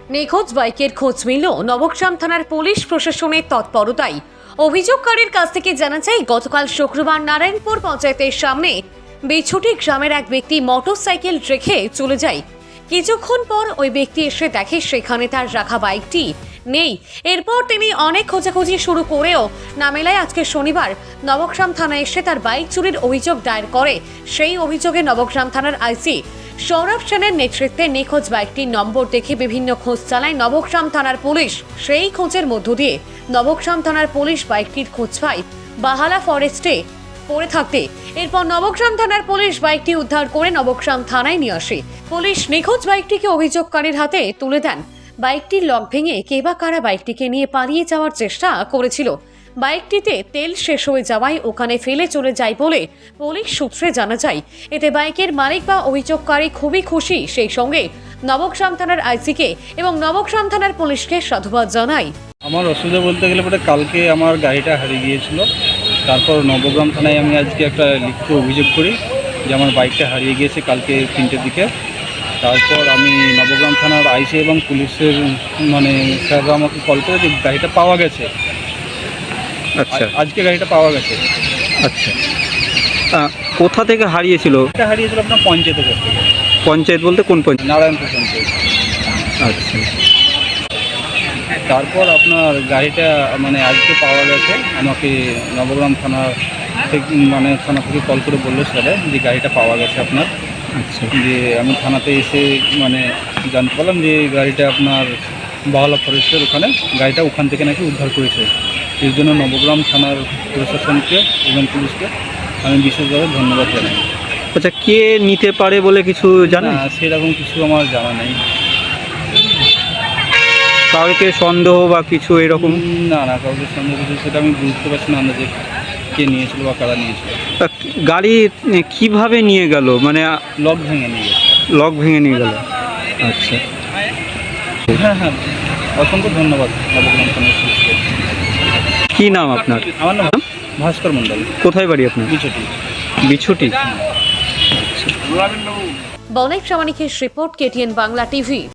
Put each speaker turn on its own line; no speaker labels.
নিখোঁজ বাইকের খোঁজ মিলল নবগ্রাম থানার পুলিশ প্রশাসনের তৎপরতায়। অভিযোগকারীর কাছ থেকে জানা যায়, গতকাল শুক্রবার নারায়ণপুর পঞ্চায়েতের সামনে বিছুটি গ্রামের এক ব্যক্তি মোটরসাইকেল রেখে চলে যায়। কিছুক্ষণ পর ওই ব্যক্তি এসে দেখে সেখানে তার রাখা বাইকটি নেই। এরপর তিনি অনেক খোঁজাখুঁজি শুরু করেও না মেলায় আজকে শনিবার নবগ্রাম থানায় এসে তার বাইক চুরির অভিযোগ দায়ের করে। সেই অভিযোগে নবগ্রাম থানার আইসি সৌরভ সেনের নেতৃত্বে নিখোঁজ বাইকটির নম্বর দেখে বিভিন্ন খোঁজ চালায় নবগ্রাম থানার পুলিশ। সেই খোঁজের মধ্য দিয়ে নবগ্রাম থানার পুলিশ বাইকটির খোঁজ পায় বাহালা ফরেস্টে পড়ে থাকতে। এরপর নবগ্রাম থানার পুলিশ বাইকটি উদ্ধার করে নবগ্রাম থানায় নিয়ে আসে। পুলিশ নিখোঁজ বাইকটিকে অভিযোগকারীর হাতে তুলে দেন। বাইকটির লক ভেঙে কে বা কারা বাইকটিকে নিয়ে পালিয়ে যাওয়ার চেষ্টা করেছিল। বাইকটিতে তেল শেষ হয়ে যাওয়ায় ওখানে ফেলে চলে যায় বলে পুলিশ সূত্রে জানা যায়। এতে বাইকের মালিক বা অভিযোগকারী খুবই খুশি। সেই সঙ্গে নবগ্রাম থানার আইসিকে এবং নবগ্রাম থানার পুলিশকে সাধুবাদ জানায়।
আমার অসুবিধা বলতে গেলে পরে কালকে আমার গাড়িটা হারিয়ে গিয়েছিল। তারপর নবগ্রাম থানায় আমি আজকে একটা লিখিত অভিযোগ করি যে আমার বাইকটা হারিয়ে গিয়েছে কালকে 3টের দিকে। তারপর আমি নবগ্রাম থানার আইসি এবং পুলিশের স্যাররা আমাকে কল করে যে গাড়িটা পাওয়া গেছে।
আচ্ছা,
আজকে গাড়িটা পাওয়া গেছে।
আচ্ছা, কোথা থেকে হারিয়েছিল?
এটা হারিয়েছিল আপনার পঞ্চায়েতের কাছ থেকে।
পঞ্চায়েত বলতে কোন পঞ্চায়েত?
নারায়ণপুর পঞ্চায়েত।
আচ্ছা,
তারপর আপনার গাড়িটা আজকে পাওয়া গেছে। আমাকে নবগ্রাম থানার থেকে থানা থেকে কল করে বললো স্যারে যে গাড়িটা পাওয়া গেছে আপনার।
আচ্ছা,
যে আমি থানাতে এসে জানতে পারলাম যে গাড়িটা আপনার বাহালা ফরেস্টের গাড়িটা ওখান থেকে নাকি উদ্ধার করেছে। এর জন্য নবগ্রাম থানার প্রশাসনকে এবং পুলিশকে আমি বিশেষভাবে ধন্যবাদ জানাই।
আচ্ছা, কে নিতে পারে বলে কিছু জানেন?
না, সেরকম কিছু আমার জানা নেই।
কাউকে সন্দেহ বা কিছু এরকম?
না, কাউকে সন্দেহ কিছু সেটা আমি বুঝতে পারছি না যে কে নিয়েছিল বা কারা নিয়েছিল।
গাড়ি কিভাবে নিয়ে গেল?
লক ভেঙে নিয়ে গেছে।
লক ভেঙে নিয়ে গেল। আচ্ছা,
হ্যাঁ, অসংখ্য ধন্যবাদ নবগ্রাম থানার পুলিশকে।
কি নাম আপনার?
আমার নাম ভাস্কর মণ্ডল।
কোথায় বাড়ি আপনার?
বিছুটি।
বিছুটি।
বনাই প্রামাণিকের রিপোর্ট, KTN বাংলা টিভি।